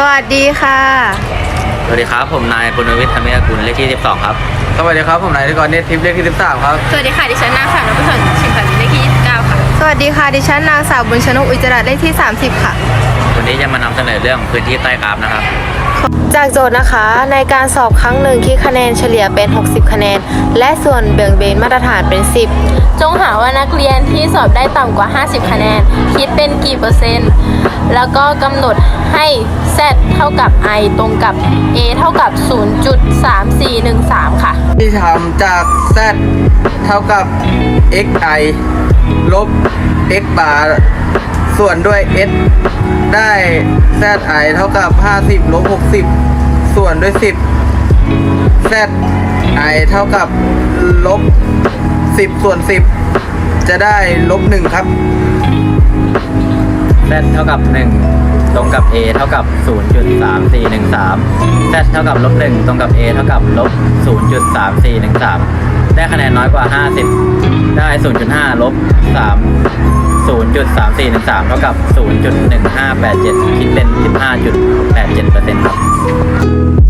วัสดีค่ะสวัสดีครับผมนายปุณณวิทย์ธรรมิยกุลเลขที่12ครับสวัสดีครับผมนายธิกรเนตรทิพย์เลขที่13ครับสวัสดีค่ะดิฉันนางสาวนพศรชิมพันธ์เลขที่29ค่ะสวัสดีค่ะดิฉันนางสาวบุญชนกอุจจาระเลขที่30ค่ะวันนี้จะมานำเสนอเรื่องพื้นที่ใต้กราฟนะครับจากโจทย์นะคะในการสอบครั้งหนึ่งคิดคะแนนเฉลี่ยเป็น60คะแนนและส่วนแบ่งเบนมาตรฐานเป็น10 จงหาว่านักเรียนที่สอบได้ต่ำกว่า50คะแนนคิดเป็นกี่เปอร์เซ็นต์แล้วก็กำหนดให้ z เท่ากับ i ตรงกับ a เท่ากับ 0.3413 ค่ะที่ทำจาก z เท่ากับ xi ลบ x bar ส่วนด้วย s ได้ zi เท่ากับ50ลบ60ส่วนด้วย10 zi เท่ากับลบ10ส่วน10จะได้ลบ1ครับ z เท่ากับ1ตรงกับ a เท่ากับ 0.3413 z เท่ากับลบ1ตรงกับ a เท่ากับลบ 0.3413 ได้คะแนนน้อยกว่า50ได้ 0.5 ลบ3 0.3413 เท่ากับ 0.1587 คิดเป็น 15.87% ครับ